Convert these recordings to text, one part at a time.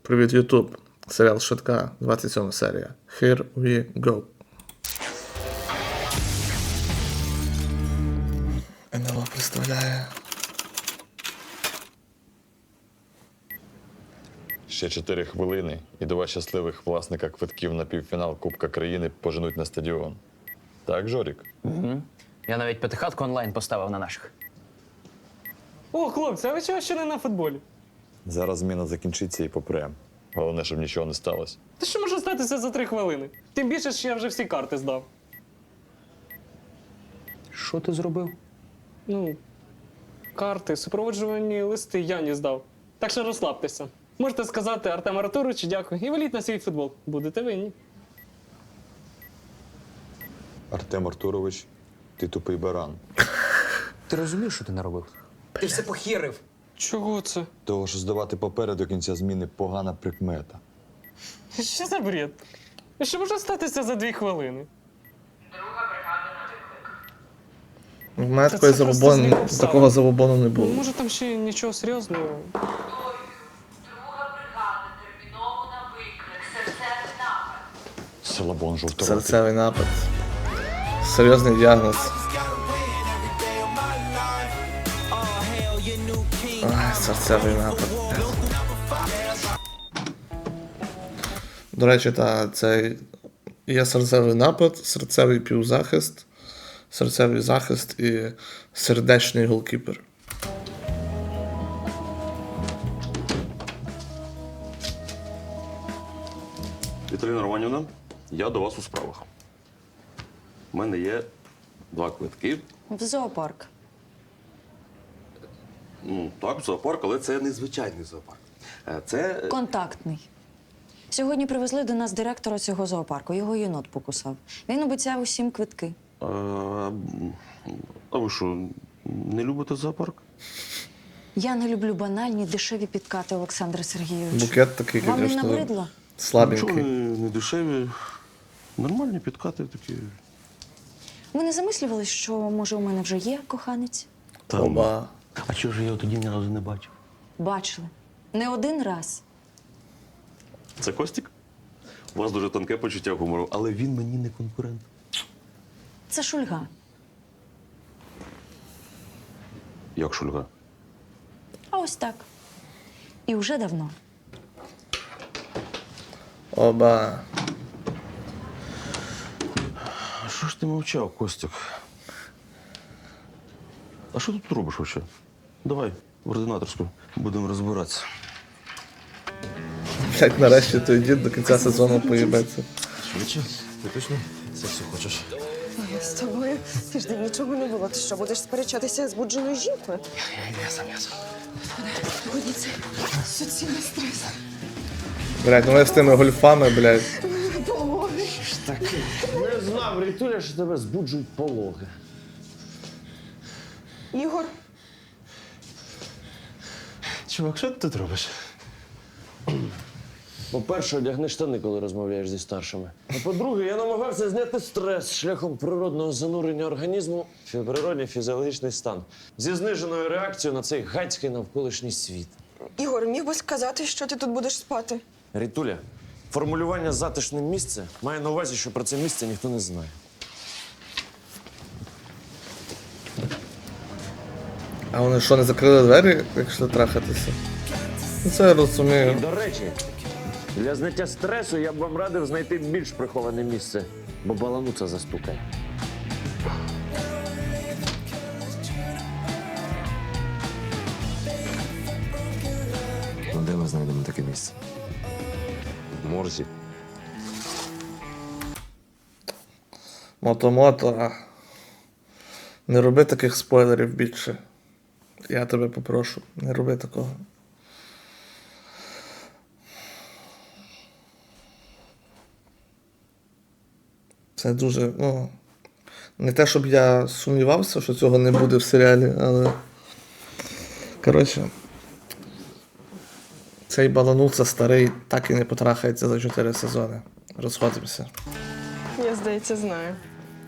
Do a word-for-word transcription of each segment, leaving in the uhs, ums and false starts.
Привіт, Ютуб. Серіал «Швидка», двадцять сьома серія. Here we go. ен ел о представляє. Ще чотири хвилини, і два щасливих власника квитків на півфінал Кубка країни поженуть на стадіон. Так, Жорік? Угу. Я навіть п'ятихатку онлайн поставив на наших. О, хлопці, а ви чого ще не на футболі? Зараз зміна закінчиться і попрем. Головне, щоб нічого не сталося. Та що може статися за три хвилини? Тим більше, що я вже всі карти здав. Що ти зробив? Ну, карти, супроводжувальні листи я не здав. Так що розслабтеся. Можете сказати Артему Артуровичу дякую і валіть на свій футбол. Будете винні. Артем Артурович, ти тупий баран. Ти розумієш, що ти наробив? Ти все похерив. Чого це? Того, що здавати папери до кінця зміни – погана прикмета. Що за бред? І що може статися за дві хвилини? У мене Та такої це просто забобону, злі обставини. такого забобону не Ну, було. може там ще нічого серйозного. Друга бригада терміново на виклик. Серцевий напад. Салабон жовторотий. Серцевий напад. Серйозний діагноз. Ай, серцевий напад. До речі, та, це є серцевий напад, серцевий півзахист, серцевий захист і сердечний голкіпер. Віталіна Романівна, я до вас у справах. У мене є два квитки. В зоопарк. Ну, так, в зоопарк, але це не звичайний зоопарк. Е, Це. Контактний. Сьогодні привезли до нас директора цього зоопарку. Його єнот покусав. Він обіцяв усім квитки. е, А ви що, не любите зоопарк? Я не люблю банальні, дешеві підкати, Олександре Сергійовичу. Букет такий, Вам не звісно, набридло? Нічого слабенький. не, не дешеві. Нормальні підкати такі. Ви не замислювались, що, може, у мене вже є коханець? Оба. А чого ж я його тоді ні разу не бачив? Бачили. Не один раз. Це Костік? У вас дуже тонке почуття гумору, але він мені не конкурент. Це Шульга. Як Шульга? А ось так. І вже давно. Оба. А що ж ти мовчав, Костік? А що ти тут робиш вообще? Давай в ординаторську будемо розбиратися. Блять, нарешті той дід до кінця сезону поїбеться. Швидше, ти точно сексу хочеш? З тобою тиждень нічого не було. Ти що, будеш сперечатися з будженою жінкою? Я сам, я сам. Годі, це суцільний стрес. Блять, ну ви з тими гольфами, блять. Пологи. Так, не знав, Рітуля, що тебе збуджують пологи. Ігор, Чувак, що ти тут робиш? По-перше, одягни штани, коли розмовляєш зі старшими. А по-друге, я намагався зняти стрес шляхом природного занурення організму в природний фізіологічний стан зі зниженою реакцією на цей гацький навколишній світ. Ігор, міг би сказати, що ти тут будеш спати? Рітуля, формулювання «затишне місце» має на увазі, що про це місце ніхто не знає. А вони що, не закрили двері, якщо трахатися? Ну це я І, розумію. до речі, для зняття стресу я б вам радив знайти більш приховане місце, бо балануца застукає. Ну, де ми знайдемо таке місце? В морзі. Мото-мото. Не роби таких спойлерів більше. Я тебе попрошу, не роби такого. Це дуже, ну. Не те, щоб я сумнівався, що цього не буде в серіалі, але. Коротше. Цей балануца старий так і не потрахається за чотири сезони. Розходимося. Я, здається, знаю.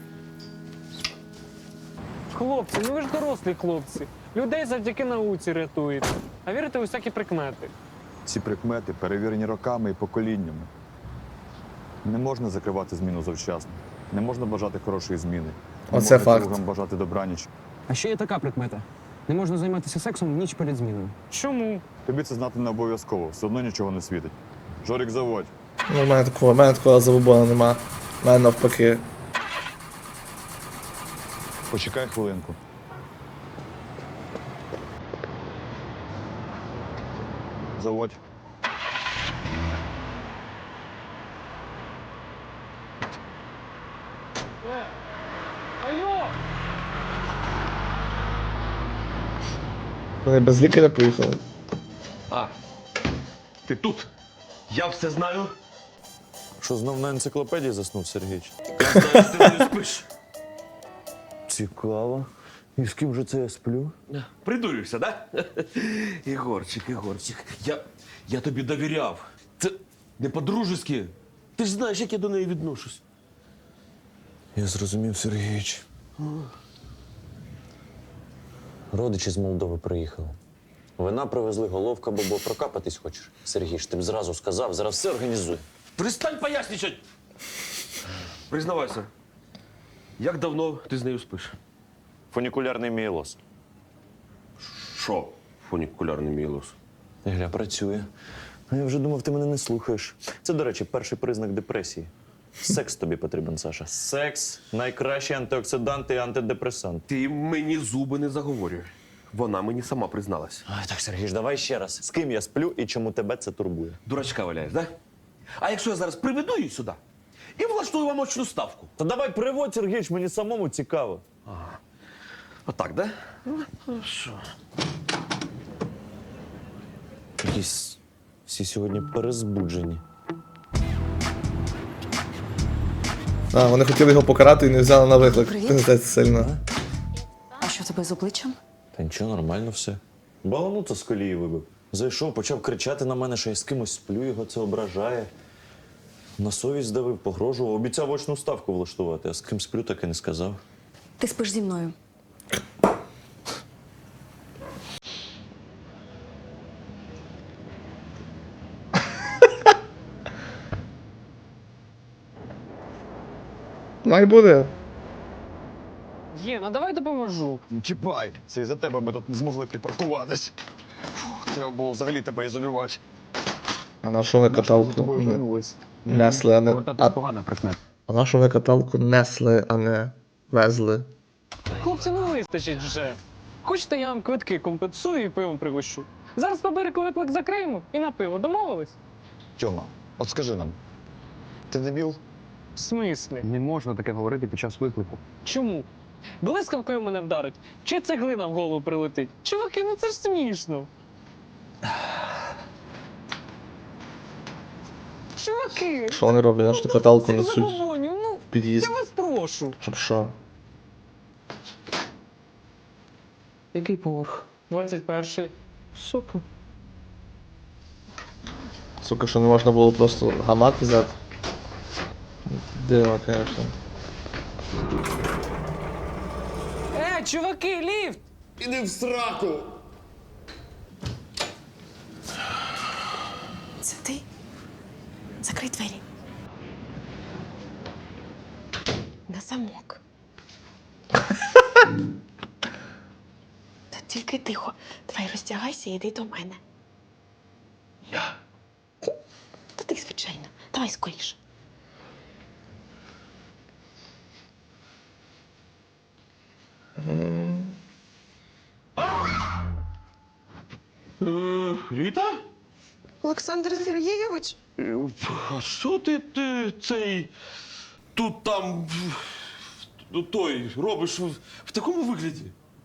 Хлопці, ну ви ж дорослі хлопці. Людей завдяки науці рятуєте. А вірите у всякі прикмети. Ці прикмети перевірені роками і поколіннями. Не можна закривати зміну завчасно. Не можна бажати хорошої зміни. Не Оце можна факт. другам бажати добраніч. А ще є така прикмета. Не можна займатися сексом в ніч перед зміною. Чому? Тобі це знати не обов'язково, все одно нічого не світить. Жорик, заводь. Ну, в мене такого, в мене такого забобону нема. В мене навпаки. Почекай хвилинку. Заводь. Алло! Вони без лікаря поїхали. А, ти тут? Я все знаю. Що знов на енциклопедії заснув Сергійч? Я знаю, що ти не спиш. Цікаво. І з ким же це я сплю? Придурюєшся, да? Ігорчик, Ігорчик, я, я тобі довіряв. Це не по-дружески. Ти ж знаєш, як я до неї відношусь. Я зрозумів, Сергійч. Родичі з Молдови приїхали. Вина привезли, головка, бобо, прокапатись хочеш? Сергійч, ти б зразу сказав, зараз все організуй. Перестань поясничать! Признавайся, як давно ти з нею спиш? Фунікулярний мієлоз. Що? Фунікулярний мієлоз. Гля, працює. А я вже думав, ти мене не слухаєш. Це, до речі, перший признак депресії. Секс тобі потрібен, Саша. Секс – найкращий антиоксидант і антидепресант. Ти мені зуби не заговорюй. Вона мені сама призналась. Ай, так, Сергій, давай ще раз. З ким я сплю і чому тебе це турбує? Дурачка валяєш, да? А якщо я зараз приведу її сюди і влаштую вам очну ставку? Та давай приводь, Сергійч, мені самому цікаво. Отак, да? Ну, що? Якісь всі сьогодні перезбуджені. А, вони хотіли його покарати і не взяли на виклик. Привіт. Пиздець сильно. А що в тебе з обличчям? Та нічого, нормально все. Баланута з колії вибив. Зайшов, почав кричати на мене, що я з кимось сплю, його це ображає. На совість здавив, погрожував, обіцяв очну ставку влаштувати, а з ким сплю, так і не сказав. Ти спиш зі мною. Най буде. Є, ну давай допоможу. Чіпай! Це із-за тебе ми тут не змогли припаркуватись. Фух, треба було взагалі тебе ізолювати. А на що ви каталку несли, а не... А, Погана прикмета. а на що ви каталку несли, а не везли? Хлопці, ну вистачить вже. Хочете, я вам квитки компенсую і пивом пригощу. Зараз по берегу виклик закриємо і на пиво. Домовились? Тьома, от скажи нам, ти дебіл? В смислі? Не можна таке говорити під час виклику. Чому? Блискавкою мене вдарить, чи цеглина в голову прилетить? Чуваки, ну це ж смішно. Чуваки! Що вони роблять? Аж ту каталку Це несуть забобонів, ну, в під'їзд. я вас прошу. Щоб що? Який поверх? двадцять перший. Сука. Сука, що не можна було просто гамак взяти. Диво, конечно. Е, чуваки, ліфт! Іди в сраку! Це ти? Закрий двері. На замок. Та тільки тихо. Давай роздягайся і йди до мене. Я? Та ти, звичайно. Давай скоріше. Е, Ріта? Олександр Сергійович? Е, А що ти, ти цей тут там в- в- той робиш в, в такому вигляді?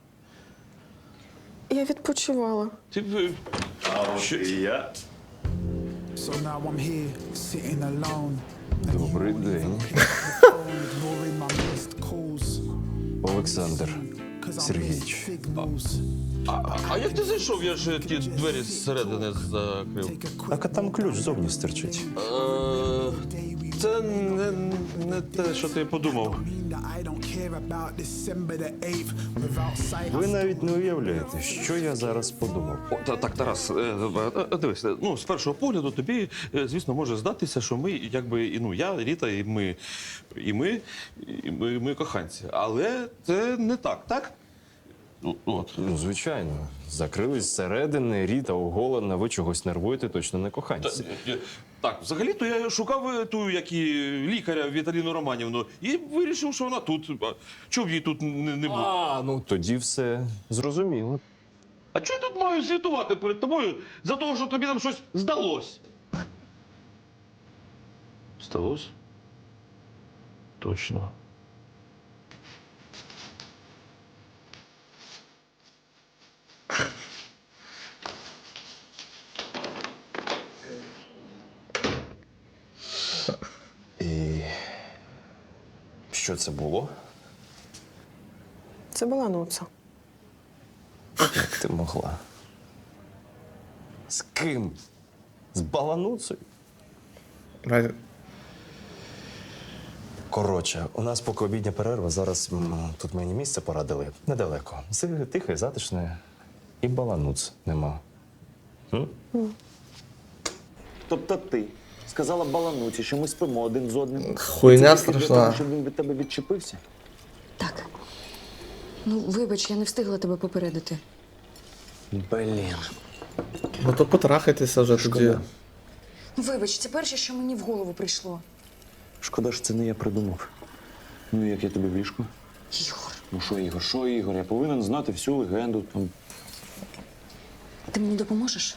Я відпочивала. Ти б- що і я? So now I'm here, sitting alone. Добрий день, Ignoring my missed calls. Олександр 'Cause I'm Сергійович. missing signals. А, а як ти зайшов? Я ж ті двері зсередини закрив. Take a quick Так, а там ключ зовні стерчить. Е, Це не, не те, що ти подумав. that I don't care about December the eighth. Without sight, Ви навіть не уявляєте, що я зараз подумав. О, та- так, Тарас, е, е, е, дивись, е, ну, з першого погляду тобі, е, звісно, може здатися, що ми, якби, і, ну, я, Ріта, і ми, і ми, і ми, ми коханці. Але це не так, так? Ну, от. Ну, звичайно, закрились зсередини, Ріта оголена, ви чогось нервуєте, точно не Та, коханці. е, так, взагалі-то я шукав е, ту, як і лікаря Віталіну Романівну, і вирішив, що вона тут. А чого б її тут не, не було? А, ну тоді все зрозуміло. А чого я тут маю звітувати перед тобою за того, що тобі там щось здалось? Здалось? Точно. І що це було? Це була Нуца. Як ти могла? З ким? З балануцею? Радя, Коротше, у нас поки обідня перерва, зараз м, тут мені місце порадили. Недалеко. Все тихе, затишне. І балануц нема. М? Тобто ти сказала балануці, що ми спимо один з одним. Хуйня Це тільки для страшна. того, щоб він від тебе відчепився? Так. Ну, вибач, я не встигла тебе попередити. Блін. ну то потрахайтеся вже тоді. Ну, вибач, це перше, що мені в голову прийшло. Шкода, що це не я придумав. Ну, як я тобі в ліжку? Ігор, Ну що, Ігор, що, Ігор? Я повинен знати всю легенду. Там. ти мені допоможеш?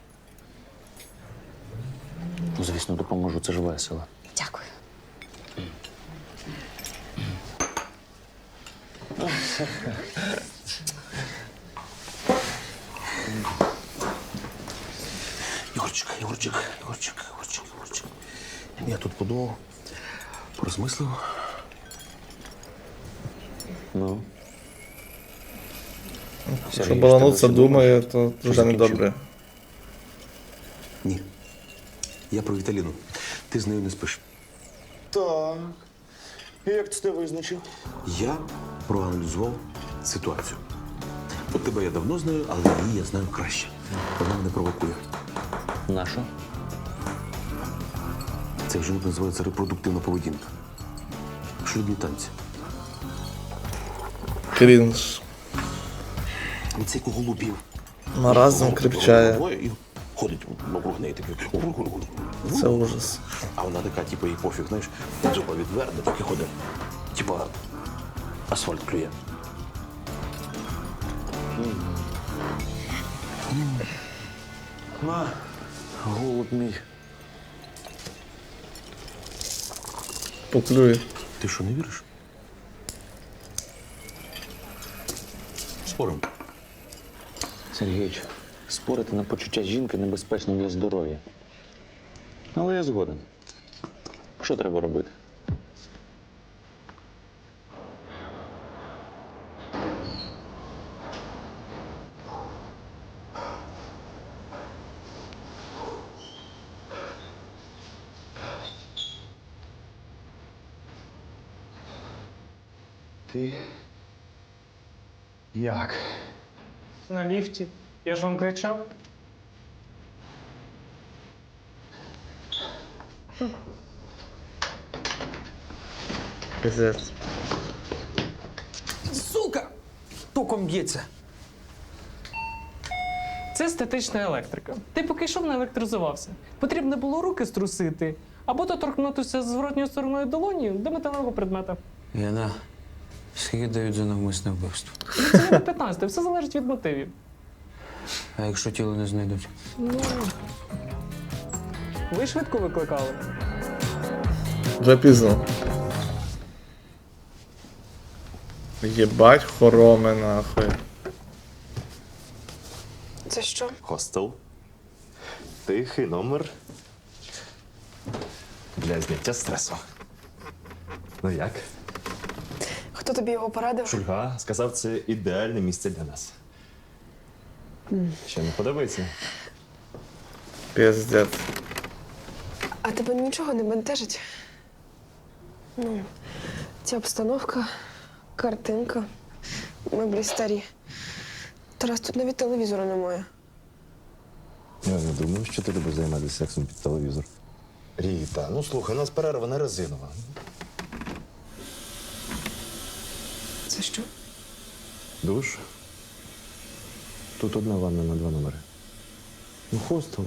Ну, звісно, допоможу, це ж весело. Дякую. Ігорчик, Ігорчик, Ігорчик, Ігорчик, Ігорчик. Я тут подумав, порозмислив. Ну. Якщо балануться думає, то вже не добре. Ні. Я про Віталіну. Ти з нею не спиш. Так. І як ти це визначив? Я проаналізував ситуацію. От тебе я давно знаю, але її я знаю краще. Вона мене провокує. Наша? Це вже називається репродуктивна поведінка. Шлюбні танці. Крінж. Від цих голубів. Маразм кріпчає. І ходить навкруг неї такий. Це ужас. А вона така, типу, їй пофіг, знаєш, зуба відверне, так і ходить. Типа асфальт клює. На, голуб мій. Поклює. Ти що, не віриш? Спорим. Сергійович, спорити на почуття жінки небезпечно для здоров'я. Але я згоден. Що треба робити? Ти як? На ліфті. Я ж вам кричав. Пиздець. Сука! Током б'ється. Це статична електрика. Ти поки йшов, не електризувався. Потрібно було руки струсити, або доторкнутися зворотньою стороною долоні до металевого предмета. Яна, скільки дають за навмисне вбивство? Це не п'ятнадцяте, все залежить від мотивів. А якщо тіло не знайдуть? Ну, ви швидко викликали. Вже пізно. Єбать хороми нахуй. Це що? Хостел. Тихий номер. Для зняття стресу. Ну як? Хто тобі його порадив? Шульга сказав, це ідеальне місце для нас. Що, не подобається? Пиздець. А тебе нічого не бентежить? Ну, Ця обстановка, картинка, меблі старі. Тарас, тут навіть телевізора немає. Я не думаю, що ти любиш займатися сексом під телевізор. Ріта, ну слухай, у нас перерва не резинова. Це що? Душ. Тут одна ванна на два номери. Ну, хостел.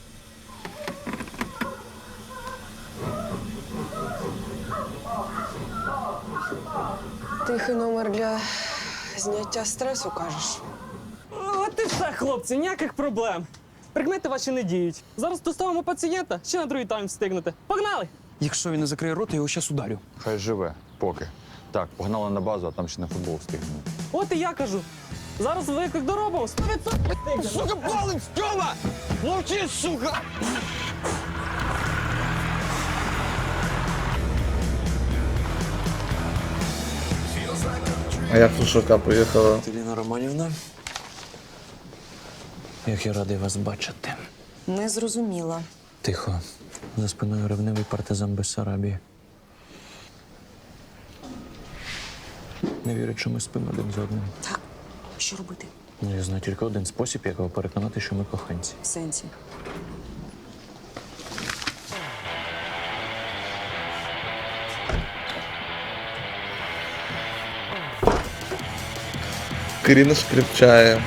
Тихий номер для зняття стресу, кажеш? От і все, хлопці, ніяких проблем. Прикмети ваші не діють. Зараз доставимо пацієнта, ще на другий тайм встигнете. Погнали! Якщо він не закриє рот, я його щас ударю. Хай живе, поки. Так, погнали на базу, а там ще на футбол встигнемо. От і я кажу. Зараз виклик доробимо. сто відсотків. Сука, палим, Тьома! Мовчи, сука! А як тут швидка поїхала? Еліна Романівна, як я радий вас бачити. Не зрозуміла. Тихо. За спиною ревнивий партизан Бессарабії. Не вірить, що ми спимо один з одним. Так, що робити? Ну, я знаю тільки один спосіб, як його переконати, що ми коханці. В сенсі. Крінж кріпчає.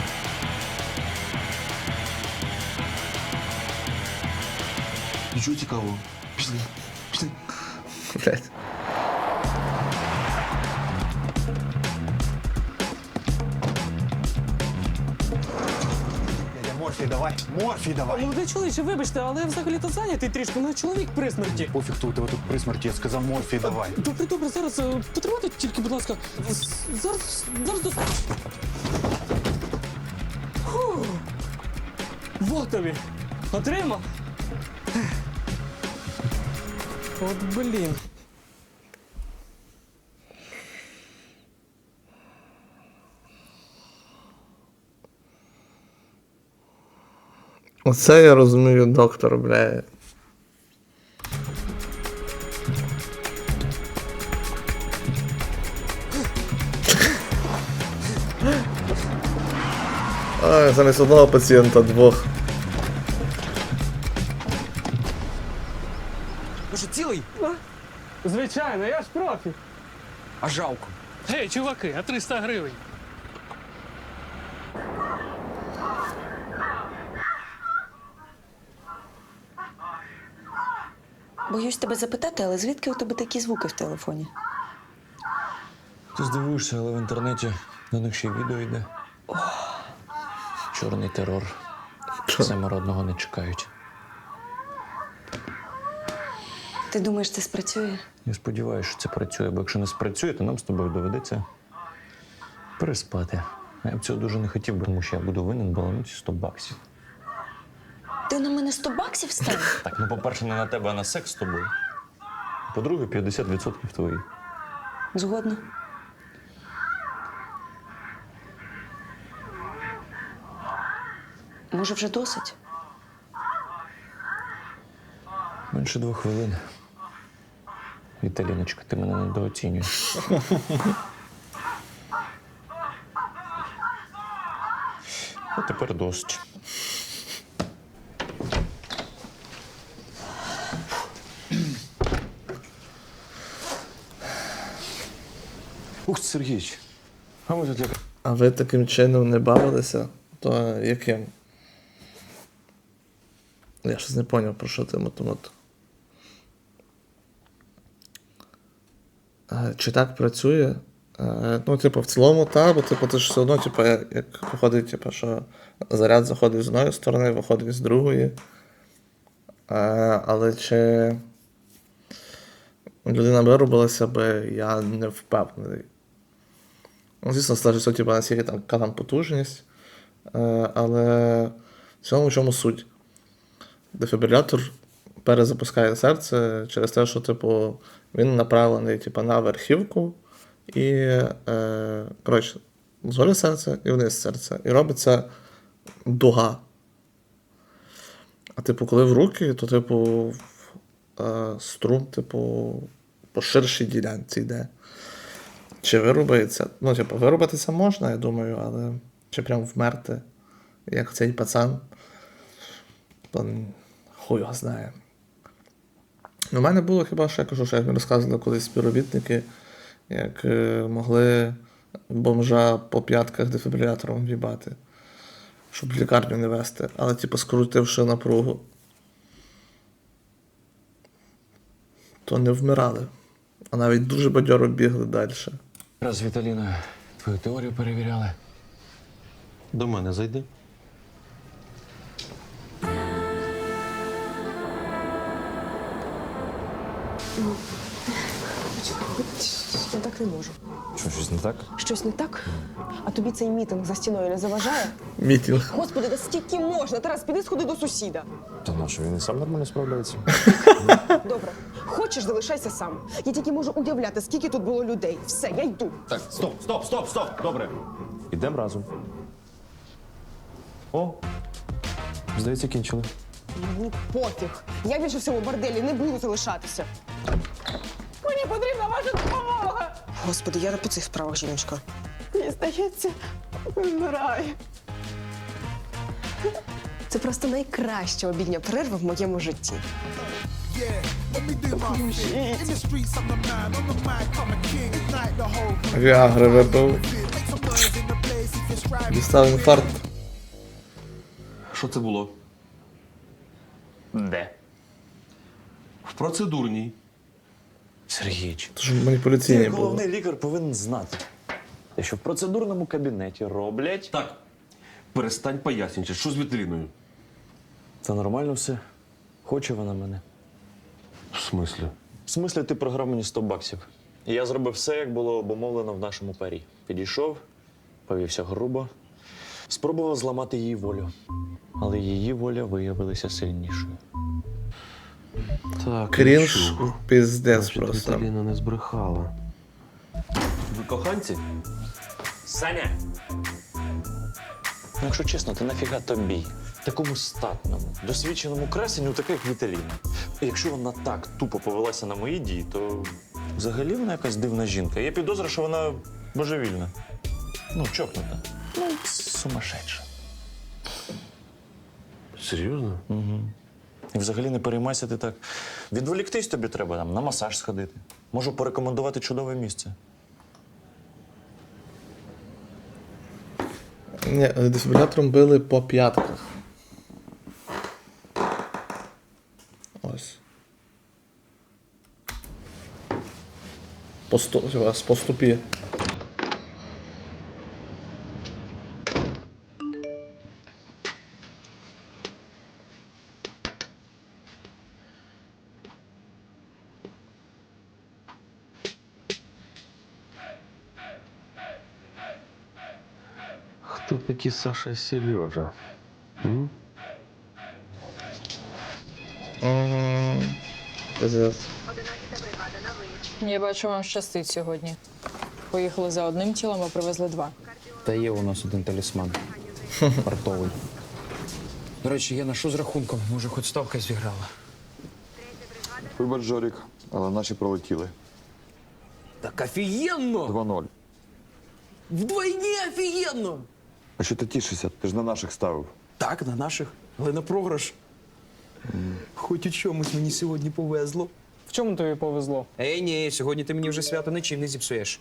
Нічого цікавого. Пішли. Пішли. Блядь. Морфій, давай. Морфій, давай. Молодий чоловіче, вибачте, але я взагалі-то зайнятий трішки. Мене чоловік при смерті. Пофіг, хто у тебе тут при смерті, я сказав морфій, давай. Добре, добре, зараз е, потримайте тільки, будь ласка. З- Зараз, зараз до... Фу. Вот тобі. Отримав. От блін. Оце я розумію, доктор, бля. Ай, замість одного пацієнта двох. Ну що, цілий? Звичайно, я ж профі. А жалко. Гей, чуваки, а триста гривень? Боюсь тебе запитати, але звідки у тебе такі звуки в телефоні? Ти здивуєшся, але в інтернеті на них ще й відео йде. Чорний терор. Самородного не чекають. Ти думаєш, це спрацює? Я сподіваюся, що це працює, бо якщо не спрацює, то нам з тобою доведеться переспати. А я б цього дуже не хотів, бо тому що я буду винен балануті сто баксів. Ти на мене сто баксів ставив? Так, ну, по-перше, не на тебе, а на секс з тобою. По-друге, п'ятдесят відсотків твої. Згодна. Може, вже досить? Менше двох хвилин. Віталіночка, ти мене недооцінюєш. А тепер досить. Ух, ти, Сергійович, а ми тут як... А ви таким чином не бавилися? То яким? Я щось не зрозумів, про що ти мотомото. Чи так працює? Е, Ну, типу, в цілому, так, бо типу, ти ж все одно, типу, як, як виходить, типу, що заряд заходить з одної сторони, виходить з другої. Е, Але чи людина виробилася би, я не впевнений. Ну, звісно, залежить все, типу, наскільки там, яка там потужність. Е, Але в цьому в чому суть? Дефібрилятор перезапускає серце через те, що, типу, він направлений, типу, на верхівку і, е, коротше, згори серце і вниз серце. І робиться дуга. А, типу, коли в руки, то, типу, е, струм, типу, по ширшій ділянці йде. Чи вирубається? Ну, типу, вирубатися можна, я думаю, але чи прям вмерти, як цей пацан, то хуй його знає. У мене було хіба що, я кажу, що як мені розказували колись співробітники, як е, могли бомжа по п'ятках дефібрилятором в'їбати, щоб в лікарню не вести, але типу скрутивши напругу, то не вмирали, а навіть дуже бадьоро бігли далі. Раз, Віталіна, твою теорію перевіряли. До мене зайди. Я так не можу. Що, щось не так? Щось не так? А тобі цей мітинг за стіною не заважає? Мітінг. Господи, да скільки можна? Тарас, піди сходи до сусіда. Та на що, він і сам нормально справляється. Добре. Хочеш, залишайся сам. Я тільки можу уявляти, скільки тут було людей. Все, я йду. Так, стоп, стоп, стоп, стоп, добре. Ідемо разом. О, здається, кінчили. Мені пофіг. Я більше в цьому борделі не буду залишатися. Мені потрібна ваша допомога. Господи, я не по цих справах, жіночка. Мені здається, вмираю. Це просто найкраща обідня перерва в моєму житті. Віагри випив. Дістав інфаркт. Що це було? Де? В процедурній. Сергійович, Тож маніпуляційні ти, були. головний лікар, повинен знати, те, що в процедурному кабінеті роблять. Так, перестань пояснювати, що з Віталіною? Це нормально все. Хоче вона мене. В смислі? В смислі, ти програв мені сто баксів. І я зробив все, як було обумовлено в нашому парі. Підійшов, повівся грубо, спробував зламати її волю. Але її воля виявилася сильнішою. Так, Крінж, піздець просто. Віталіна не збрехала. Ви коханці? Саня! Ну, якщо чесно, ти нафіга тобі, такому статному, досвідченому красенню, таке як Віталіна. І якщо вона так тупо повелася на мої дії, то взагалі вона якась дивна жінка. Я підозрюю, що вона божевільна. Ну, чокнута. Ну, сумасшедша. Серйозно? Угу. І взагалі не переймайся ти так. Відволіктись тобі треба там, на масаж сходити. Можу порекомендувати чудове місце. Ні, дефібрилятором били по п'ятках. Ось. По, сто, по ступі. Хто такі Саша і Сережа? М? Угу. Пиздец. Я бачу, вам щастить сьогодні. Поїхали за одним тілом, а привезли два. Та є у нас один талісман. Вартовий. До речі, я на що з рахунком? Може, хоч ставка зіграла. Вибач, Жорік, але наші пролетіли. Так офігенно! два ноль. Вдвойні офігенно! А що ти тішишся? Ти ж на наших ставив. Так, на наших, але на програш. Mm. Хоч у чомусь мені сьогодні повезло. В чому тобі повезло? Ей, ні, сьогодні ти мені вже свято нічим не зіпсуєш.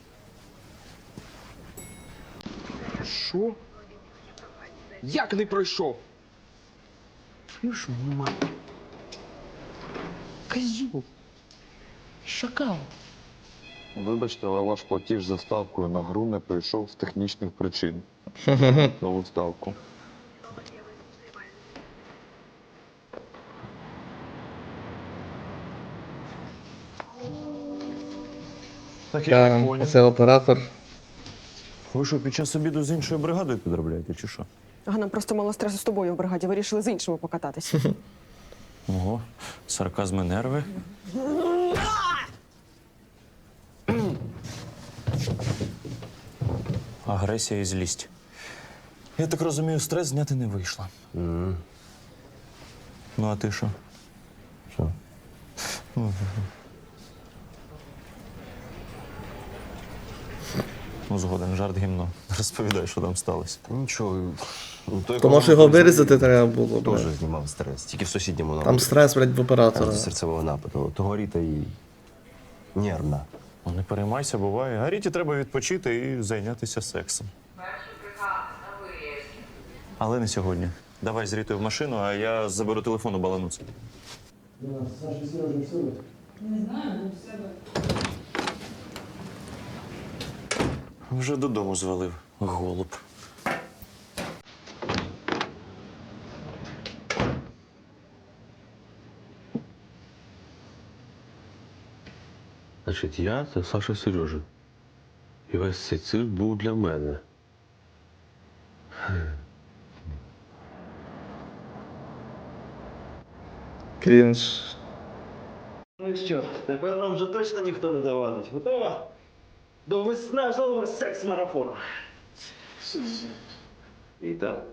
Що? Як не пройшов? Чуєш, нема. Козюк. Шакал. Вибачте, але ваш платіж за ставкою на гру не пройшов з технічних причин. Нову ставку. Так я не Я, поняв. це оператор. Ви що, під час обіду з іншою бригадою підробляєте, чи що? Ага, нам просто мало стресу з тобою в бригаді. Вирішили з іншими покататися. Ого, сарказми нерви. Агресія і злість. Я так розумію, стрес зняти не вийшло. Mm. Ну, а ти що? Що? Ну, згоден, жарт гімно. Розповідай, що там сталося. Нічого. Ну, той, То кого може ми його були вирізати треба було, Теж блядь. знімав стрес. Тільки в сусідньому Там нападі. стрес, блядь, в оператора. Там серцевого нападу. Того Ріта і нервна. Ну, не переймайся, буває. А Ріті треба відпочити і зайнятися сексом. Перші бригади на виїзді. Але не сьогодні. Давай з Рітою в машину, а я заберу телефон у балануці. Вже додому звалив, голуб. Значить, я це Саша Сережа. І весь цей цирк був для мене. Крінж. Ну що, тепер нам вже точно ніхто не завадить. Готова? До виснажливого секс-марафону. І так.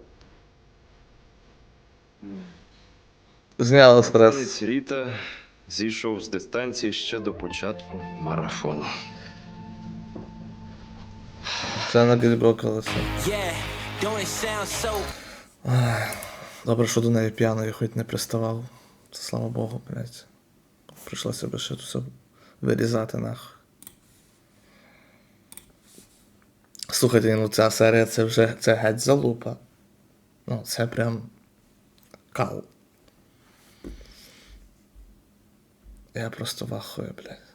Зняли стрес. Танець Ріта зійшов з дистанції ще до початку марафону. Це на відброкалося. Добре, що до неї п'яної хоч не приставав. Це слава Богу, блядь. Прийшлося би ще все вирізати нахуй. Слухайте, ну ця серія це вже це геть залупа. Ну, це прям кал. Я просто вахую, блядь.